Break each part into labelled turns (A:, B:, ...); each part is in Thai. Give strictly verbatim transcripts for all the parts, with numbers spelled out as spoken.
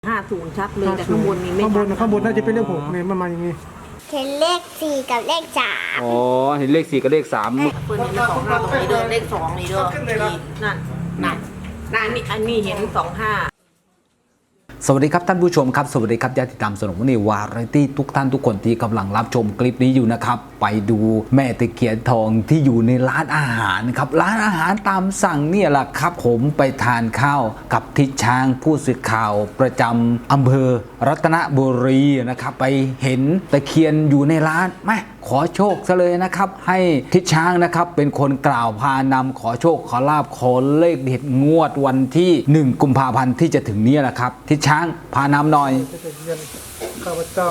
A: ห้าศูนย์ชัดเลยแต่ข้างบนนี้ไม่
B: ข้างบน
A: ชัด
B: ข้างบนน่าจะเป็นเลขหกเนี่ยมันมาอย่างนี้
C: เห็นเลขสี่กับเลขสาม
D: อ๋อเห็นเลขสี่กับเลขสาม
A: เปิดเห็นสองห้าตรงนี้เด้อเลขสองนี่เด้อนี่นั่นนั่นนั่นนี่อันนี้เห็นสองห้า
D: สวัสดีครับท่านผู้ชมครับสวัสดีครับญาติธรรมสนุกนี่วาไรตี้ทุกท่านทุกคนที่กำลังรับชมคลิปนี้อยู่นะครับไปดูแม่ตะเคียนทองที่อยู่ในร้านอาหารครับร้านอาหารตามสั่งเนี่ยแหละครับผมไปทานข้าวกับทิศช้างผู้สื่อข่าวประจำอำเภอรัตนบุรีนะครับไปเห็นตะเคียนอยู่ในร้านแม่ขอโชคซะเลยนะครับให้ทิศช้างนะครับเป็นคนกล่าวพานำขอโชคขอลาภขอเลขเด็ดงวดวันที่หนึ่งกุมภาพันธ์ที่จะถึงนี้แหละครับทิศช้างพานำหน่อย
B: ข้าพเจ้า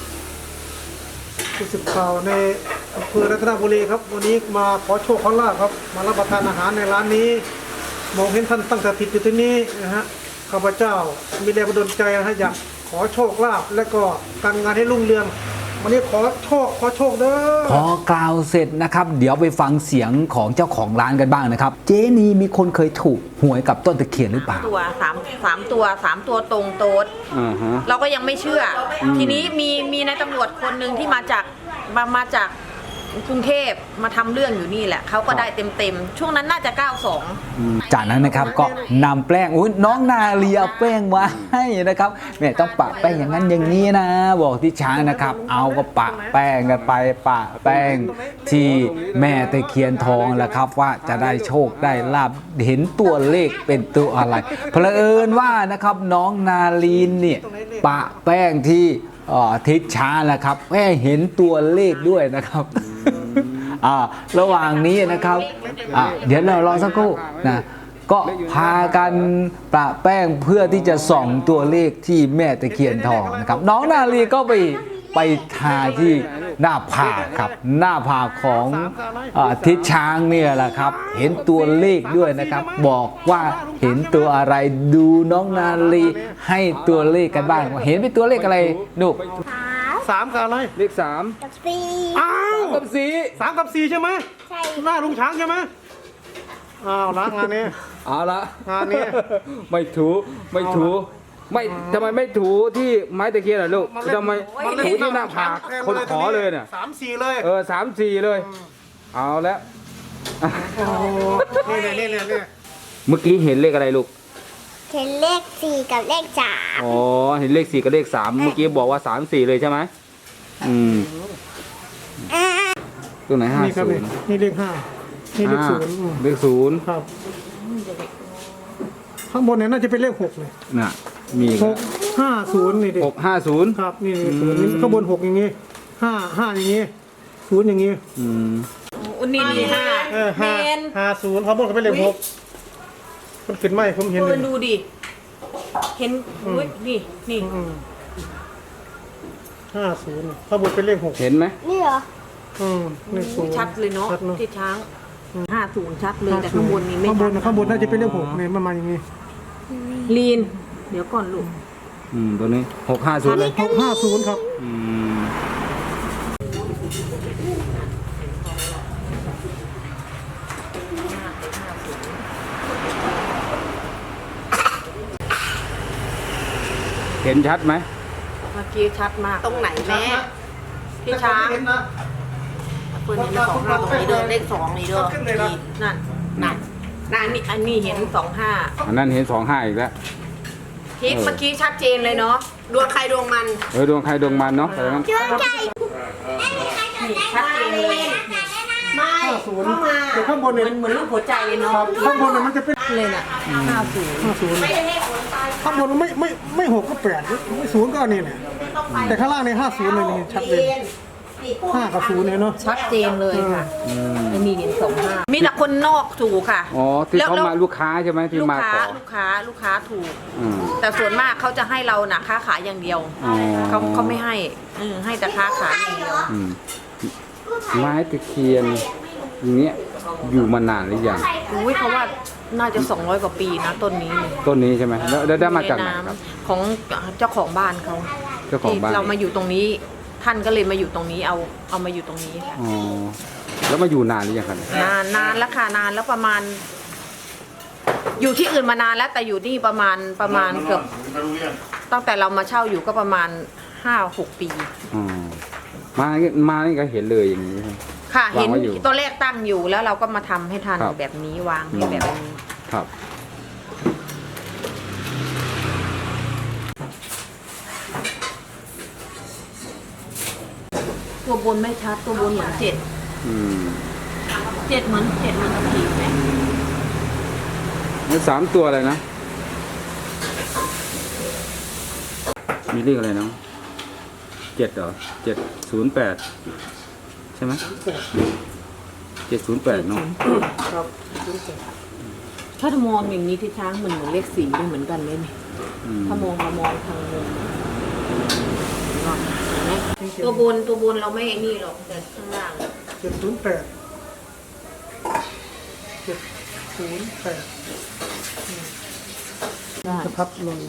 B: ผู้สื่อข่าวในอำเภอรัตนบุรีครับวันนี้มาขอโชคขอลาภครับมารับประทานอาหารในร้านนี้มองเห็นท่านตั้งสถิตอยู่ที่นี่นะฮะข้าพเจ้ามีแรงบันดาลใจนะฮะอยากขอโชคลาภและก็การงานให้รุ่งเรืองวันนี้ขอโชคขอโชคเด้อ
D: พอกล่าวเสร็จนะครับเดี๋ยวไปฟังเสียงของเจ้าของร้านกันบ้างนะครับเจนีมีคนเคยถูกหวยกับต้นตะเคียนหรือเปล่า
A: ตัวสามสามตัวสามตัวตรงโต๊ดเราก็ยังไม่เชื่อทีนี้มีมีนายตำรวจคนหนึ่งที่มาจากมามาจากกรุงเทพมาทำเรื่องอยู่นี่แหละเขาก็ได้เต็มเต็มช่วงนั้นน่าจะเก้าสอง
D: จากนั้นนะครับก็นำแป้งอุ้ยน้องนาเลียแป้งมาให้นะครับแม่ต้องปะแป้งอย่างนั้นอย่างนี้นะบอกที่ช้างนะครับเอาก็ปะแป้งกันไปปะแป้งที่แม่ตะเคียนทองแหละครับว่าจะได้โชคได้ลาภเห็นตัวเลขเป็นตัวอะไรเพลเอิญว่านะครับน้องนาลีนเนี่ยปะแป้งที่ทิศช้างนะครับแม่เห็นตัวเลขด้วยนะครับอ่าระหว่างนี้นะครับอ่าเดี๋ยวเรารอสักครู่นะก็พากันประแป้งเพื่อที่จะส่องตัวเลขที่แม่ตะเคียนทองนะครับน้องนาลีก็ไปไปทาที่หน้าผากครับหน้าผากของอ่าทิศช้างเนี่ยแหละครับเห็นตัวเลขด้วยนะครับบอกว่าเห็นตัวอะไรดูน้องนาลีให้ตัวเลขกันบ้างเห็นเป็นตัวเลขอะไรลูก
B: สามกับอะไร
D: เลขสาม
C: กับสี่
B: อ้าว
D: กับสี่
B: สามกับสี่ใช่ไหม
C: ใช่
B: หน้าลุงช้างใช่ไหมอ้าวละงานนี้
D: เอาละ
B: งานนี้
D: ไม่ถูไม่ถูไม่ทำไมไม่ถูที่ไม้ตะเคียนล่ะลูกทำไมถูที่หน้าผากคนขอเลยเนี่ย
B: สามสี่เลย
D: เออสามสี่เลยเอาแล้ว
B: นี่เลยนี่เลยนี่
D: เมื่อกี้เห็นเลขอะไรลูก
C: เห็นเลขสี่กับเลขสาม
D: อ๋อเห็นเลขสี่กับเลขสามเมื่อกี้บอกว่าสามสี่เลยใช่ไหมอืมตัวไหนห้าศูนย์
B: นี่เลขห้านี่เลขศูนย์
D: เลขศูนย์
B: ครับข้างบนเนี่ยน่าจะเป็นเลขหกเลย
D: น่ะมี
B: หกห้าศูนย์นี่ดิ
D: หกห้าศูนย์
B: ครับนี่ศูนย์ข้างบนหกอย่างงี้ห้าห้าอย่างงี้ศูนย์อย่างงี้
D: อืม
A: อุนี่นี่ห้า
B: เออห้าห้าศูนย์ข้างบนก็เป็นเลขหกมันขึ้นไหมผมเห็น
A: เลยดูดิเห็นอุ้ยนี่นี่
B: ห้าศูนย์ข้างบนเป็นเลขหก
D: เห็นไหม
C: นี่เหรอ
B: อืมเลขศูนย์
A: ชัดเลยเนาะที่ช้างห้าศูนย์ชัดเลยแต่ข้างบนนี้ไม่
B: ข้างบนข้างบนน่าจะเป็นเลขหกเนี่ยมันมาอย่างงี้
A: ลีนเดี๋ยวก่อนลูก
D: อืมตัวนี้หกห้าศูนย์เลย
B: หกห้าศูนย์ครับ
D: อืมเห็นชัดไหม
A: เมื่อกี้ชัดมากตรงไหนแม่พี่ช้างเปิดเห็นสองห้าตรงนี้เด้อเลขสองนี่เด้อนี่นั่นนั่นนั่นนี่อันนี้เห็นสองห้า
D: อันนั้นเห็นสองห้าอีกแล้ว
A: ทิกเมื่อกี้ชัดเจนเลยเนาะดวงใครดวงมัน
D: เออดวงใครดวงมันเนาะแต่
C: ดวงใจ
A: ชัดเจนเลยไม่เข้ามา
B: แต่ข้างบนเนี่ย
A: มันเหมือนรูปหัวใจเลยเนาะ
B: ข้างบนเนี่ยมันจะเป็น
A: เลยน่ะห้าศูนย์
B: ห้าศูนย์ข้างบนไม่ไม่ไม่หกก็แปดไม่ศูนย์ก็นี่แหละแต่ข้างล่างในห้าศูนย์เลยนี่ชัดเลยห้ากับศูนย์เนี่ยเนาะ
A: ชัดเจนเลยค่ะไม่มีเห็นสองห้ามีแต่คนนอกถูกค่ะ
D: อ๋อที่เขามาลูกค้าใช่ไหมที่มาขอ
A: ลูกค้าลูกค้าถูกแต่ส่วนมากเขาจะให้เราน่ะค้าขายอย่างเดียวเขาเขาไม่ให้ให้แต่ค้าขายอย่างเดียว
D: ไม้ตะเคียนอย่างเงี้ยอยู่มานานหรือยัง
A: อุ้ยเขาว่าน่าจะสองร้อยกว่าปีนะต้นนี้
D: ต้นนี้ใช่ไหมแล้วได้มาจากไหนครับ
A: ของเจ้าของบ้านเขา
D: เจ้าของบ้าน
A: เรามาอยู่ตรงนี้ท่านก็เลยมาอยู่ตรงนี้เอาเอามาอยู่ตรงนี้ค่ะ
D: อ๋อแล้วมาอยู่นานหรือยังครับ
A: นานนานแล้วค่ะนานแล้วประมาณ อยู่ที่อื่นมานานแล้วแต่อยู่นี่ประมาณประมาณเกือบตั้งแต่เรามาเช่าอยู่ก็ประมาณห้าหกปี
D: อ๋อมามานี่ก็เห็นเลยอย่างนี้ใช่ไหม
A: ค่ะเห็น
D: วางไว้อยู่
A: ตัวเลขตั้งอยู่แล้วเราก็มาทำให้ทัน
D: ครับ
A: แบบนี้วางให้แบบนี้
D: ครับ
A: ตัวบนไม่ชัดตัวบนเหมือนเจ็ด
D: อืม
A: เจ็ดเหมือนเจ็ดเหมือนผีไหม
D: นี่สามตัวอะไรนะ มีเลขอะไรเนาะเจ็ดเหรอเจ็ดศูนย์แปดใช่ไหมเจ็ดศูนย์แปดเนาะ
B: ครับ
A: ถ้ามองอย่างนี้ที่ช้างมันเหมือนเลขสี่ด้วยเหมือนกันเลยนี่
D: อืม
A: ถ้ามองมามองทางมุมเห็นไหมตัวบนตัวบนเราไม่นี่หรอกแต่ข้างล่าง
B: เจ็ดศูนย์แปดเจ็ดศูนย์แปด
A: ได้
B: จะพับลง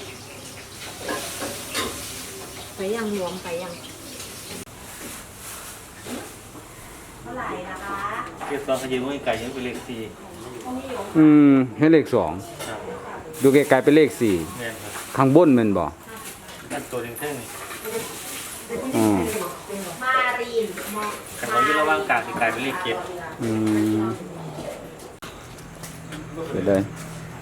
A: ไปยังรวมไปยังเท่าไหร่นะคะ
E: เก็บตอนขยืมไก่ยังเป็นเลขสี่
D: อืมให้เลขสองดูไกลๆเป็นเลขสี่
E: แม่นครับ
D: ข้างบนแมันบอก
E: นั่นตัวเท่งๆนี่
D: อ๋อ
A: มารีนมอ
E: แต่เขาอยู่ระหว่างกลางที่กลายเป็นเลขเก็บ
D: อืมเดี๋ยวเลย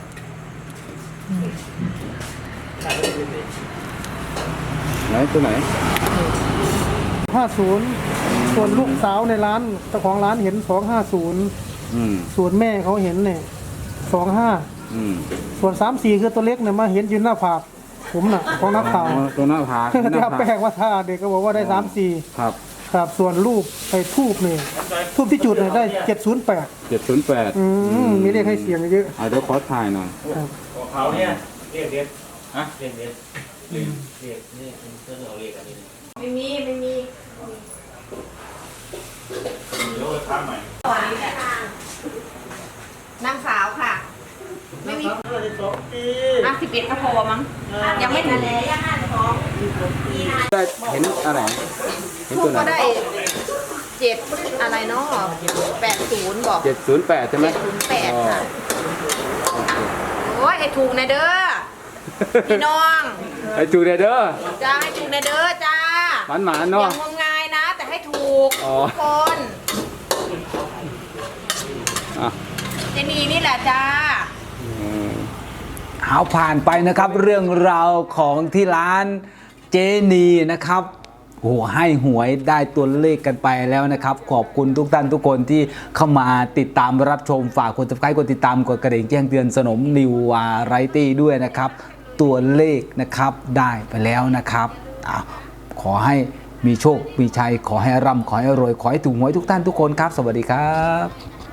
D: ไหนตัวไหน
B: ห้าศูนย์ส่วนลูกสาวในร้านเจ้าของร้านเห็นสองห้าศูนย์
D: อืม
B: ส่วนแม่เขาเห็นเนี่ยสองห้า
D: อืม
B: ส่วนสามสี่คือตัวเล็กเนี่ยมาเห็นยืนหน้าผากผมน่ะของนักข่าว
D: อ๋อตัวหน้าผาก
B: ที่เอาแป้งว่าท่าเด็กก็บอกว่าได้สามสี่
D: ครับ
B: ครับส่วนรูปไปทูบเนี่ยทูบที่จุดเนี่ยได้เจ็ดศูนย์แปด
D: เจ็ดศูนย์แปด
B: อืมมีเลขให้เสียงเยอะ
D: เอาเดี๋ยวขอถ่ายหน่อย
B: ครับ
E: ของเขาเนี่ยเลขเด็ดฮะเลขเด็ดเลขเลขนี่เป็นเสื้อเอาเลขอันนี้เลย
A: ไม่มีไม่มี
E: เดี๋ยวไปทำใหม่
A: ตอนนี้แหละนางสาวค่ะ ไม่มีอ่ะสิบเอ็ดก็พอมั้งยังไม่ถึง
D: ได้เห็นอะไรเห็น
A: ทู
D: ตัว
A: ก
D: ไหน
A: ก็ได้เจ็ดอะไรเนาะแปดศูนย์บอก
D: เจ็ดศูนย์แปดใช่ไหม
A: เจ็ดศูนย์แปดค่ะโอ้ยให้ถูกนะเด้อพี่น้อง
D: ไอ้จูเดเด้อ
A: จ้าให้ถูกนะเด้อจ้า
D: หวานหวาน
A: อ
D: เนาะ
A: ย่างงมงายนะ แต่ให้ถูก
D: อ๋อ
A: ทุกคน
D: อ่ะ
A: เจนีนี่แหละจ้า
D: เอาผ่านไปนะครับเรื่องราวของที่ร้านเจนีนะครับโอ้โหให้หวยได้ตัวเลขกันไปแล้วนะครับ ขอบคุณทุกท่านทุกคนที่เข้ามาติดตามรับชมฝากกดติดตามกดติดตามกดกระดิ่งแจ้งเตือนสนมนิววาไรตี้ด้วยนะครับ ตัวเลขนะครับได้ไปแล้วนะครับอ่ะขอให้มีโชคมีชัยขอให้ร่ำขอให้รวยขอให้ถูกหวยทุกท่านทุกคนครับ สวัสดีครับ